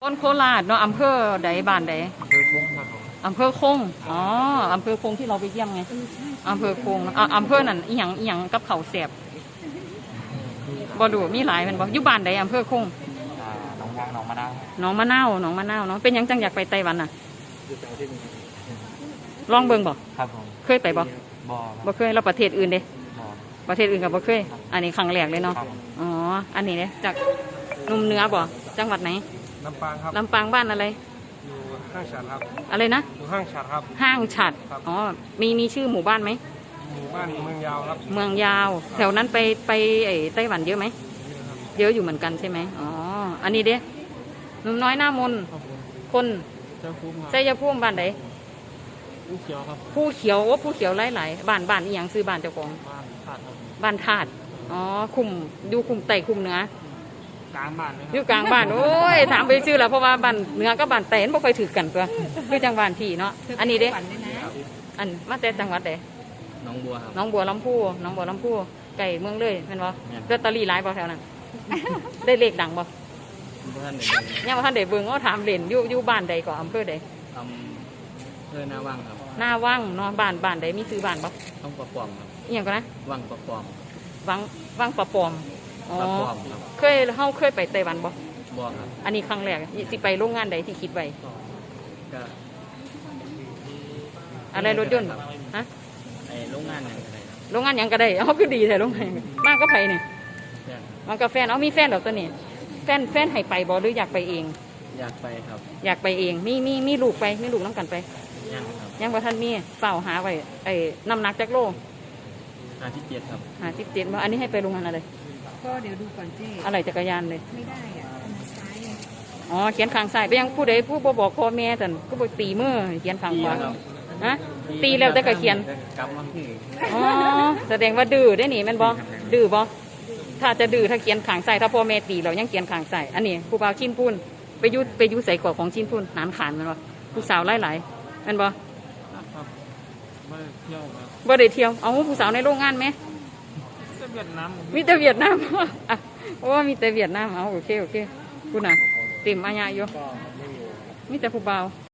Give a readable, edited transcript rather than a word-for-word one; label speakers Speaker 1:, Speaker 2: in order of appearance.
Speaker 1: ต้นโคราชเนาะอำเภอใดบ้านใดอำเภอคงอ๋ออำเภอคงที่เราไปเยี่ยมไงอำเภอคงอำเภอนั่นอีหยังกับเขาแสบบ่ดูมีหลายมันบ่อยู่บ้านใดอำเภอคง
Speaker 2: หนองยางหนองมะนาว
Speaker 1: หนองมะนาวเนาะเป็นยังจังอยากไปไต้หวันน่ะลองเบิ่งบ่
Speaker 2: ครับผม
Speaker 1: เคยไปบ่บ่เคยเราประเทศอื่นเด้ประเทศอื่นกับบ่เคยอันนี้ครั้งแรกเลยเนาะอ๋ออันนี้เนี่ยจากนุ่มเนื้อบ่จังหวัดไหน
Speaker 3: ลำปางครับ
Speaker 1: ลำปางบ้านอะไร
Speaker 3: อยู่ห้างฉัดครับ
Speaker 1: อะไรนะ
Speaker 3: อยู่ห้างฉัดครับ
Speaker 1: ห้างฉัดอ๋อมีชื่อหมู่บ้านไหม
Speaker 3: หมู่บ้านเมืองยาวครับ
Speaker 1: เมืองยาวแถวนั้นไปไต้หวันเยอะไหมเยอะอยู่เหมือนกันใช่ไหมอ๋ออันนี้เด้หนุ่มน้อยหน้ามนคนชัยภูมิบ้านไหน
Speaker 3: ผู้เขียวครับ
Speaker 1: ผู้เขียวว่าผู้เขียวหลายๆบ้านอีหยังซื้อบ้านเจ้าของบ้านธาตุอ๋อคุมดูคุมไต่คุมเนื้อก
Speaker 3: ลางบ้านเลย
Speaker 1: อยู่กลางบ้านโอ้ยถามไปชื่อแล้วเพราะว่าบ้านเนื้อกับบ้านไต่ไม่ค่อยถือกันตัวคือจังหวัดที่เนาะอันนี้เด้อันมาแต่จังหวัดไหน
Speaker 2: น้องบัวครับ
Speaker 1: น้องบัวลำพูไก่เมืองเลยเป็นบ่ลอตเตอรี่หลายบ่แถวนั้นได้เลขดังบ่ยังว่าท่านเด็กเบิ่งก็ถามเล่นอยู่บ้านใดก่ออำเภอใด
Speaker 2: อำเภอหน้าว่างครับ
Speaker 1: หน้าว่างเนาะบ้านใดมีซื้อบ้านบ่
Speaker 2: ต้องประปอมครับ
Speaker 1: อีหยังก็นะ
Speaker 2: ว่างประปอม
Speaker 1: ว่างประปอมอ๋อเคยไปไต้หวันบ่
Speaker 2: ครับ
Speaker 1: อันนี้ครั้งแรกสิไปโรงงานใดที่คิดไว้
Speaker 2: ก็
Speaker 1: อะไรรถยนต์ฮะ
Speaker 2: ไอโรงงานอย่างไร
Speaker 1: โรงงานยังก็ได้เอาคือดีแต่โรงงานมากก็ไปเนี่ยมันกับแฟนเอามีแฟนหรอตัวนี้แฟนให้ไปบ่หรืออยากไปเอง
Speaker 2: อยากไปครับ
Speaker 1: อยากไปเองมีลูกไปมีลูกน้ำกันไป
Speaker 2: ยังครับ
Speaker 1: ยังว่าท่านมีเฝ้าหาไว้น้ำหนักจักโล
Speaker 2: 57ครับ
Speaker 1: 57ว่าอันนี้ให้ไปโรงงานอะไร
Speaker 4: ก็เดี๋ยวดูก่อนเจ๊
Speaker 1: อะไรจักรยานเลย
Speaker 4: ไม่ได้อ่ะซ้าย
Speaker 1: อ๋อเขียนข้างซ้ายไปยังผู้ใดผู้บอกพ่อแม่ท่านก็บอกตีมือเขียนข้างขวาฮะตีแล้วแต่ก็เขียน
Speaker 2: กำลังที่
Speaker 1: อ๋อแสดงว่าดื้อได้หนิแม่นบ่ดื้อบ่ถ้าจะดื้อถ้าเขียนขางใส่ถ้าพ่อแม่ตีเรายังเขียนขางใส่อันนี้ผู้บ่าวชิ้นพูนไปยุใส่กรอบของชิ้นพูนนานขานมันบ่ผู้สาวหลายแม่นบ่บ่ได้เที่ยวเอาผู้สาวในโรงงานไหมมีแต่เวียดนามอ่ะเพราะว่ามีแต่เวียดนามเอาโอเคคุณน่ะเต็มอาญาอยู่มีแต่ผู้บ่าว